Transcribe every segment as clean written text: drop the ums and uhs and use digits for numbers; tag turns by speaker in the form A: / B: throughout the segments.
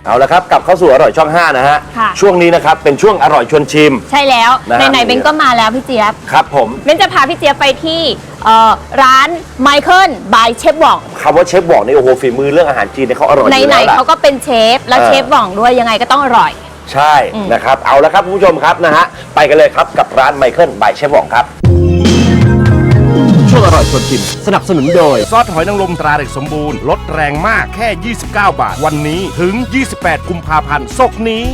A: เอาละครับกลับเข้าสู่อร่อยช่อง 5นะฮะช่วงนี้นะครับเป็นช่วงอร่อยชวนชิม
B: ใช่แล้วไหนๆเบนก็มาแล้วพี่เจี๊ยบ
A: ครับผม
B: เบนจะพาพี่เจี๊ยบไปที่ร้านไมเคิลบายเชฟหว่อง
A: คำว่าเชฟหว่องนี่โอ้โหฝีมือเรื่องอาหารจีนเนี่ยเขาอร่อยอยู่แล้ว
B: ไหนๆเขาก็เป็นเชฟแล้วเชฟหว่องด้วยยังไงก็ต้องอร่อย
A: ใช่นะครับเอาละครับคุณผู้ชมครับนะฮะไปกันเลยครับกับร้านไมเคิลบายเชฟหว่องครับช่วงอร่อยชวนชิมสนับสนุนโดย
C: ซอสหอยนางรมตราเด็กสมบูรณ์ลดแรงมากแค่29 บาทวันนี้ถึง28กุมภาพันธ์ศกนี้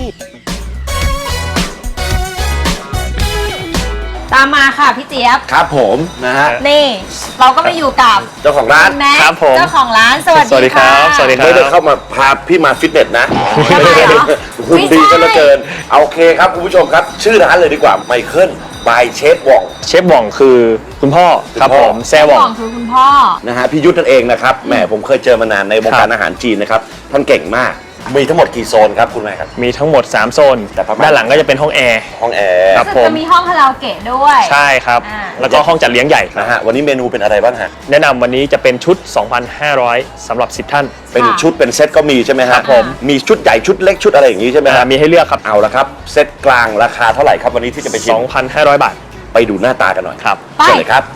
B: ตามมาค่ะพี่เจี๊ยบ
A: ครับผมนะฮะ
B: นี่เราก็มาอยู่กับ
A: เจ้าของร้าน
B: ครับผมเจ้าของร้านสวัสดีครับ
D: สวัสดีครับ
A: ไม่ได้เข้ามาพาพี่มาฟิตเนสนะหุ่นดีกันเหลือเกินเอาโอเคครับคุณผู้ชมครับชื่อร้านเลยดีกว่าไมเคิลบายเชฟหว่อง
D: เชฟหว่องคือคุณพ่อครับผมแซ่หว่อง
B: คือคุณพ่อ
A: นะฮะพี่ยุทธนั่นเองนะครับแหมผมเคยเจอมานานในวงการอาหารจีนนะครับท่านเก่งมากมีทั้งหมดกี่โซนครับคุณแม่ครับ
D: มีทั้งหมด3โซนแต่ด้านหลังก็จะเป็นห้องแอร์
A: ครับ
B: ผมจะมีห้องคาราโอเกะด้วย
D: ใช่ครับแล้วก็ห้องจัดเลี้ยงใหญ่
A: นะฮะวันนี้เมนูเป็นอะไรบ้างฮะ
D: แนะนำวันนี้จะเป็นชุด 2,500 สำหรับ10ท่าน
A: เป็นชุดเป็นเซตก็มีใช่ไหมครับผมมีชุดใหญ่ชุดเล็กชุดอะไรอย่างนี้ใช่ไหมครับ
D: มีให้เลือกครับ
A: เอาละครับเซตกลางราคาเท่าไหร่ครับวันนี้ที่จะไปชิม
D: 2,500 บาท
A: ไปดูหน้าตากันหน่อย
D: ครับ
A: เชิญเลยครับ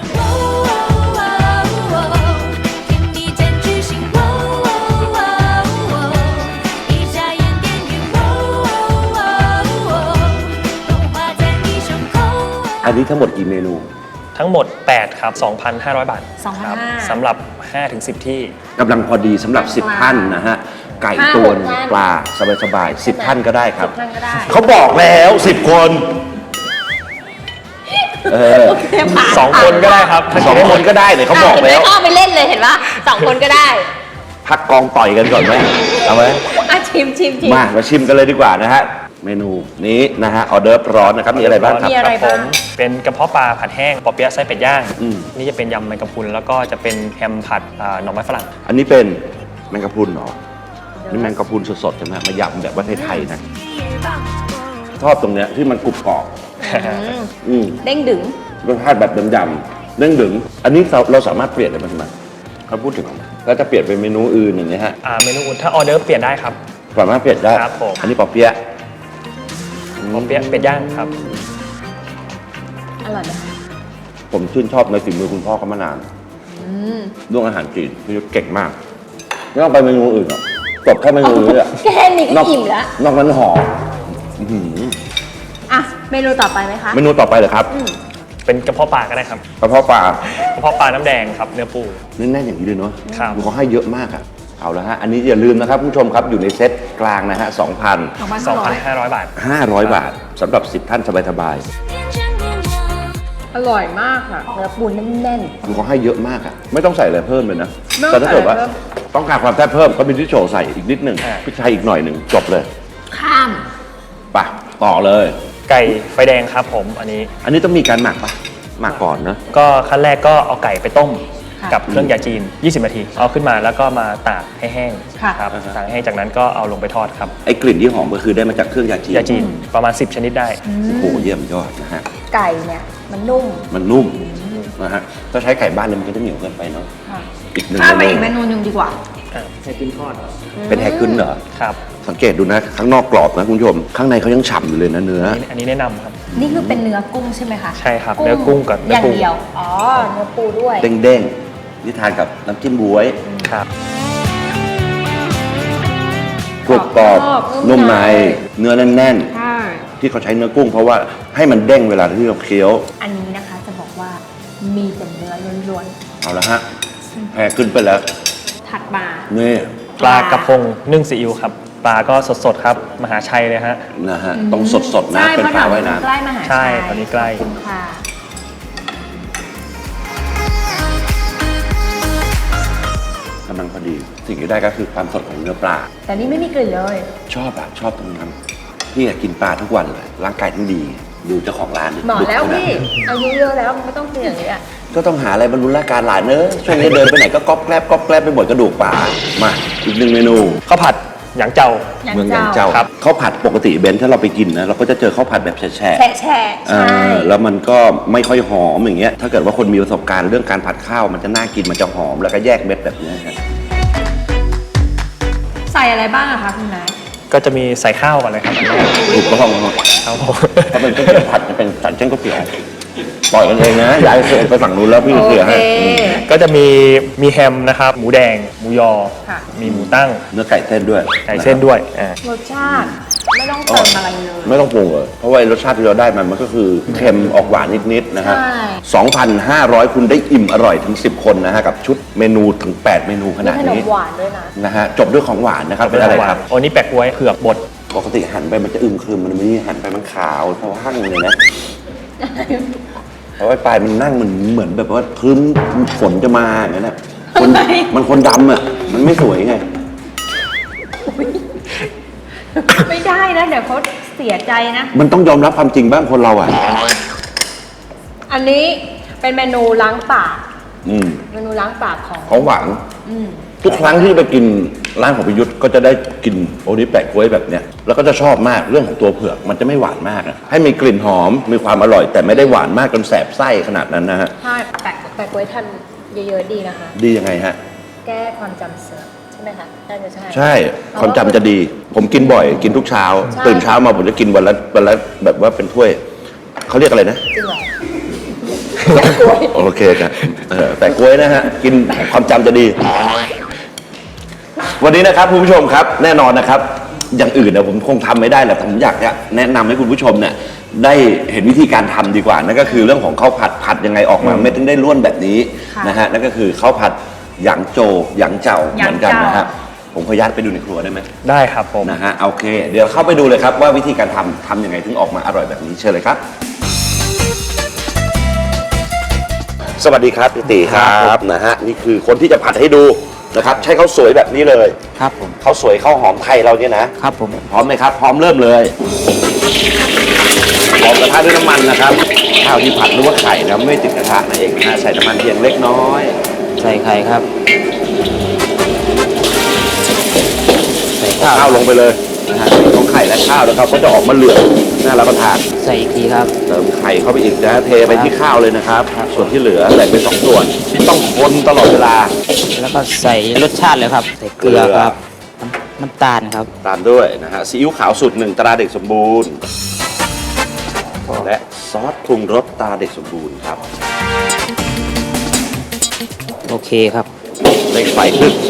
A: อันนี้ทั้งหมดกี่เมนู
D: ทั้งหมด8ครับ 2,500 บาทสำหรับ 5-10 ที่
A: กำลังพอดีสำหรับ10ท่านนะฮะไก่ตวนปลาสบายๆ10ท่านก็ได้ครับเขาบอกแล้ว10คน
D: 2คนก็ได้ครับ
A: 2คนก็ได้เนี่ยเขาบอกแล้ว
B: เข้าไปเล่นเลยเห็นปะ2คนก็ได้
A: พักกองต่อยกันก่อนไหมเอาไหม
B: ชิม
A: มาชิมกันเลยดีกว่านะฮะเมนูนี้นะฮะออเดิร์ฟร้อนนะครับมีอะไรบ้างครับ
D: ผมเป็นกระเพาะปลาผัดแห้งปอเปี๊ยะไส้เป็ดย่างนี่จะเป็นยำแมงกะพรุนแล้วก็จะเป็นแฮมผัดหน่อไม้ฝรั่ง
A: อันนี้เป็นแมงกะพรุนเหรอนี่แมงกะพรุนสดๆใช่ไหมมายำแบบว่าไทยๆนะชอบตรงเนี้ยที่มันกรุบกรอบ
B: เด้งดึง
A: รสชาติแบบดำๆเด้งดึงอันนี้เราสามารถเปลี่ยนได้ไหมเขาพูดถึงแล้วจะเปลี่ยนเป็นเมนูอื่นอย่างเงี้ยฮะ
D: เมนูอื่นถ้าออเดิร์ฟเปลี่ยนได้ครับ
A: สามารถเปลี่ยนได้
D: ครับผม
A: อันนี้ปอเปี๊ยะ
D: เป็ดย่างครับ
B: อร่อยไหม
A: ผมชื่นชอบในฝีมือคุณพ่อเขามานานเรื่องอาหารจีนพี่ยุทธเก่งมากไม่ต้องไปเมนูอื่นหรอกจบแค่เมนูนี้แหละ
B: แค่นี้ก็อิ่มแล้ว
A: นอกนั้นหอม
B: เมนูต่อไปไหมคะ
A: เมนูต่อไปเหรอครับ
D: เป็นกระเพาะปลาก็ได้ครับ
A: กระเพาะปลา
D: น้ำแดงครับเนื้อปู
A: แน่นๆอย่างนี้เลยเนาะ
D: ครับ
A: เขาให้เยอะมากอะเอาละฮะอันนี้อย่าลืมนะครับผู้ชมครับอยู่ในเซตกลางนะฮะ
D: 2,500 บาท
A: 500 บาทสำหรับ10ท่านสบาย
B: อร่อยมากค่ะเนื้อปูแน่น
A: ๆเขาให้เยอะมากอะไม่ต้องใส่อะไรเพิ่มเลยนะแต่ถ้าเกิดว่าต้องการความแซ่บเพิ่มก็มีที่โชว์ใส่อีกนิดหนึ่งพริกไทยอีกหน่อยหนึ่งจบเลย
B: ข้าม
A: ไปต่อเลย
D: ไก่ไฟแดงครับผมอันนี้
A: ต้องมีการหมักปะหมักก่อนนะ
D: ก็ขั้นแรกก็เอาไก่ไปต้มกับเครื่องยาจีน20 นาทีเอาขึ้นมาแล้วก็มาตากให้แห้งครับตากให้จากนั้นก็เอาลงไปทอดครับ
A: ไอ้กลิ่นที่หอมก็คือได้มาจากเครื่องยาจีน
D: ประมาณ10 ชนิดได้
A: โอ้โหเยี่ยมยอดนะฮะ
B: ไก่เนี่ยมันนุ่ม
A: นะฮะถ้าใช้ไก่บ้านเนี่ยมันก็จะเหนียวเกินไปเนาะอีกหนึ่ง
B: ไปอีกเมนูนึงดีกว่า
D: แฮกึนทอด
A: เป็นแฮกึนเหรอ
D: ครับ
A: สังเกตดูนะข้างนอกกรอบนะคุณผู้ชมข้างในเขายังฉ่ำอยู่เลยนะเนื้อ
D: อันนี้แนะนำครับ
B: นี่คือเป็นเนื้อกุ้งใช่ไหมคะ
D: ใช่ครับเนื้อกุ้งกับ
B: อย่างเดียวเนื้อปูด้วย
A: เด้งนี่ทานกับน้ำจิ้มบ๊วย
D: ครับ
A: กรุบกรอบนุ่มในเนื้อแน่นๆที่เขาใช้เนื้อกุ้งเพราะว่าให้มันเด้งเวลาที่เราเคี้ยว
B: อันนี้นะคะจะบอกว่ามีแต่เนื้อล้วน
A: ๆเอาละฮะแพงขึ้นไปแล้ว
B: ถัดมา
A: นี่
D: ปลากระพงนึ่งซีอิ๊วครับปลาก็สดๆครับมหาชัยเลยฮะ
A: นะฮะต้องสดๆนะเป็นปลาว่ายน้ำ
B: ใกล้มหาชัย
D: ใช่ตอนนี้ใกล้
A: กำลังพอดีสิ่งที่ได้ก็คือความสดของเนื้อปลา
B: แต่นี่ไม่มีกลิ่นเลย
A: ชอบตรงนั้นพี่กินปลาทุกวันเลยร่างกายทั้งดีดูเจ้าของร้าน
B: หมอแล้วพี่อายุเยอะแล้วมันไม่ต้องเปลี่ยนเลยอ่ะ
A: ก็ต้องหาอะไรบรรลุร่างกายหลานเนอะช่วงนี้เดินไปไหนก็ก๊อบแกลบไปหมดกระดูกปลามาอีกหนึ่งเมนู
D: ข้าวผัดหยางเจ้า
A: เมืองหยางเจ้าครับข้าวผัดปกติเบนถ้าเราไปกินนะเราก็จะเจอข้าวผัดแบบแช่
B: ใช่
A: แล้วมันก็ไม่ค่อยหอมอย่างเงี้ยถ้าเกิดว่าคนมีประสบการณ์เรื่องการผัดข้าวมันจะน่ากินมันจะหอมแล้วก็แยกเม็ดแบบนี้ครับ
B: ใส่
E: ส่อะไรบ้างอะคะคุณแม่
D: ก็จะมีใส่ข้าวก่อนเลยครับอันแรก
A: ถูกต้อง
D: ครับผม
A: ถ้าเป็นเส้นผัดจะเป็นสันเส้นก๋วยเตี๋ยวปล่อยกันเองนะย้ายไปฝั่งนู้นแล้วพี่เคลียร์ให้
D: ก็จะมีแฮมนะครับ หมูแดง หมูยอ
E: ค่ะ
D: มีหมูตั้ง
A: เนื้อไก่เส้นด้วย
D: ไก่เส้นด้วยอ่าร
E: สชาติไม่ต้องเติมอะไรเลย
A: ไม่ต้องปรุงเลยเพราะว่ารสชาติที่เราได้มันก็คือเค็มออกหวานนิดๆนะฮะ
E: ใช่
A: 2,500 คุณได้อิ่มอร่อยถึง 10 คนนะฮะกับชุดเมนูถึง 8 เมนูข
E: มี
A: นาด
E: ขนม
A: นี้
E: หวานด้วยนะ
A: นะฮะจบด้วยของหวานนะครับเป็นอะไรครับ
D: โอ้นี่แปะกล้วยเผือกบด
A: ปกติหันไปมันจะอึมครึมมันไม่หันไปมันขาวเพราะว่าหั่งเลยนะเพราะว่าปลายมันนั่งมันเหมือนแบบว่าครึ้มฝนจะมาอย่างนั้นนะคนมันคนดำอ่ะมันไม่สวยไง
E: ไม่ได้นะเดี๋ยวเขาเสียใจนะ
A: มันต้องยอมรับความจริงบ้างคนเราอ่ะ
E: อันนี้เป็นเมนูล้างปาก
A: อืม
E: เมนูล้างปากของ
A: ของหวาน
E: อืม
A: ทุกครั้งที่ไปกินร้านของพิยุทธ์ก็จะได้กินโอนิแปะกล้วยแบบเนี้ยแล้วก็จะชอบมากเรื่องของตัวเผือกมันจะไม่หวานมากอะให้มีกลิ่นหอมมีความอร่อย แต่ไม่ได้หวานมากจนแสบไส้ขนาดนั้นนะฮะ
E: ใช่แต่กล้วยทานเยอะๆดีนะคะ
A: ดียังไงฮะ
E: แก้ความจำเสื่อมใช่ไหมคะน่าจะใช่
A: ใช่ความจำจะดี ผมกินบ่อยกินทุกเช้า
E: ใช่
A: ตื่นเช้ามาผมจะกินวันละแบบว่าเป็นถ้วยเขาเรียกอะไรนะ
E: จริงเหรอ
A: โอเคครับแต่กล้วยนะฮะกินความจำจะดี วันนี้นะครับคุณผู้ชมครับแน่นอนนะครับ อย่างอื่นเนี่ยผมคงทำไม่ได้แหละแต่ผมอยากจะแนะนำให้คุณผู้ชมเนี่ยได้เห็นวิธีการทำดีกว่านั่นก็คือเรื่องของข้าวผัดยังไงออกมาไม่ถึงได้ร่วนแบบนี้
E: ค่ะ
A: นะฮะนั่นก็คือข้าวผัดหยางโจหยางเจ้า
E: หยาง
A: เหมือนกัน
E: เจ้าน
A: นะฮะผมขออนุญาตไปดูในครัวได้ไหม
D: ได้ครับผม
A: นะฮะโอเค เดี๋ยวเข้าไปดูเลยครับว่าวิธีการทำยังไงถึงออกมาอร่อยแบบนี้เชิญเลยครับ สวัสดีครับพี่ตีครับนะฮะนี่คือคนที่จะผัดให้ดูนะครับใช้ข้าวสวยแบบนี้เลย
F: ครับผม
A: ข้าวสวยข้าวหอมไทยเราเนี่ยนะครับ
F: ผม
A: พร้อมไหมครับ พร้อมเริ่มเลยพร้อมกระทะด้วยน้ำมันนะครับข้าวที่ผัดหรือว่าไข่นะไม่ติดกระทะนั่นเองนะฮะใส่น้ำมันเพียงเล็กน้อย
F: ใส่ไข่ครับ ใส่ข้าว
A: ข้าวลงไปเลยนะฮะของไข่และข้าวนะครับก็จะออกมาเหลืองน่ารับประทาน
F: ใส่อีกทีครับ
A: เติมไข่เข้าไปอีกนะเทไปที่ข้าวเลยนะครับ ส่วนที่เหลือแบ่งเป็น2ส่วนต้องคนตลอดเวลา
F: แล้วก็ใส่รสชาติเลยครับ ใส่เกลือครับน้ำตาลครับ
A: ตามด้วยนะฮะซีอิ๊วขาวสูตร1ตราเด็กสมบูรณ์ และซอสปรุงรสตราเด็กสมบูรณ์ครับ
F: โอเคครับ
A: เร่งไฟขึ้น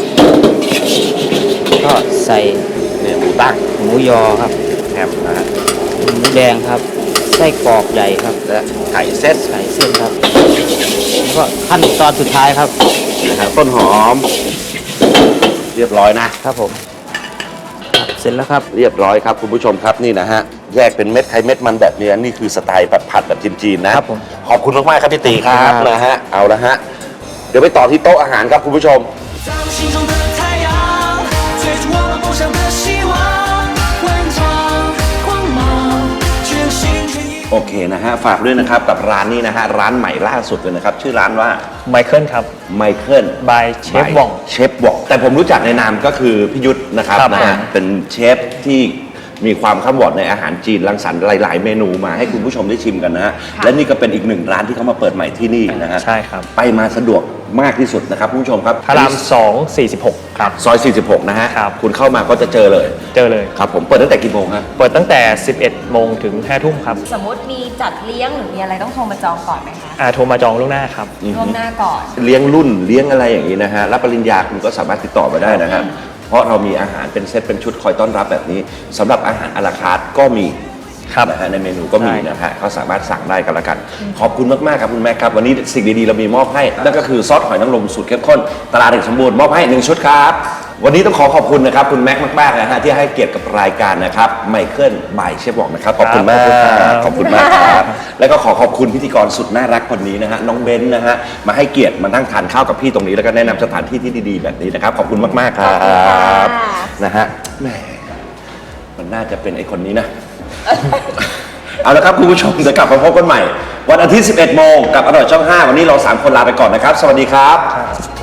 F: ก็ใส่
A: เนี่ยหมูตั้ง
F: หมูยอครับ
A: แฮมนะฮะ
F: หมูแดงครับ ไส้กรอกใหญ่ครับ
A: และไข่เส้น
F: ไข่เส้นครับ แล้วก็ขั้นตอนสุดท้ายครับ
A: นะครับต้นหอม เรียบร้อยนะ
F: ครับผมครับเสร็จแล้วครับ
A: เรียบร้อยครับคุณผู้ชมครับนี่นะฮะแยกเป็นเม็ดไข่เม็ดมันแบบนี้นี่คือสไตล์แบบผัดแบบจีนๆนะครับ
F: ผม
A: ขอบคุณมากๆครับพี่ตีครับ
F: ครับ
A: นะฮะเอาละฮะเดี๋ยวไปต่อที่โต๊ะอาหารครับคุณผู้ชม
G: 在我心中的太阳，追逐我们梦想的希望，万丈光芒，全心全意。
A: โอเคนะฮะฝากด้วยนะครับกับร้านนี้นะฮะร้านใหม่ล่าสุดเลยนะครับชื่อร้านว่า
D: ไมเคิลครับ
A: ไมเคิล
D: by เชฟว่อง
A: เชฟว่องแต่ผมรู้จักในนามก็คือพี่ยุทธนะครับ
D: ครับ
A: นะฮะเป็นเชฟที่มีความข้ามวอดในอาหารจีนรังสรรค์หลาย ๆ เมนูมาให้คุณผู้ชมได้ชิมกันนะฮะและนี่ก็เป็นอีกหนึ่งร้านที่เขามาเปิดใหม่ที่นี่นะฮะ
D: ใช่ครับ
A: ไปมาสะดวกมากที่สุดนะครับคุณผู้ชมครับ
D: พระราม 2 46 ครับ
A: ซอย 46 นะฮะ
D: ครับ
A: คุณเข้ามาก็จะเจอเลย
D: เจอเลย
A: ครับผมเปิดตั้งแต่กี่โมงครับ
D: เปิดตั้งแต่ 11 โมงถึง 5 ทุ่มครับ
E: สมมติมีจัดเลี้ยงหรือมีอะไรต้องโทรมาจองก่อนไหมคะ
D: โทรมาจองล่วงหน้าครับ
E: ล่วงหน้าก่อน
A: เลี้ยงรุ่นเลี้ยงอะไรอย่างนี้นะฮะรับปริญญาคุณก็สามารถติดต่อมาได้นะฮะเพราะเรามีอาหารเป็นเซตเป็นชุดคอยต้อนรับแบบนี้สำหรับอาหารอะลาคาร์ทก็มี
D: ครับ
A: นะฮะในเมนูก็มี
D: ใช่
A: นะฮะเขาสามารถสั่งได้กันละกัน ขอบคุณมากๆครับคุณแม่ครับวันนี้สิ่งดีๆเรามีมอบให้นั่นก็คือซอสหอยนางรมสูตรเข้มข้นตราเด็กสมบูรณ์มอบให้1ชุดครับวันนี้ต้องขอบคุณนะครับคุณแม็กมากๆนะฮะที่ให้เกียรติกับรายการนะครับไมเคิลบายเชฟบอกนะครับขอบคุณมากขอบคุณมากครับแล้วก็ขอบคุณพิธีกรสุดน่ารักคนนี้นะฮะน้องเบนซ์นะฮะมาให้เกียรติมานั่งทานข้าวกับพี่ตรงนี้แล้วก็แนะนำสถานที่ที่ดีๆแบบนี้นะครับขอบคุณมากๆครับนะฮะแหมมันน่าจะเป็นไอ้คนนี้นะ เอาละครับคุณผู้ชมจะกลับมาพบกันใหม่ วันอาทิตย์ 11 โมงกับอร่อยช่อง 5 วันนี้เรา 3 คนลาไปก่อนนะครับ สวัสดีครับ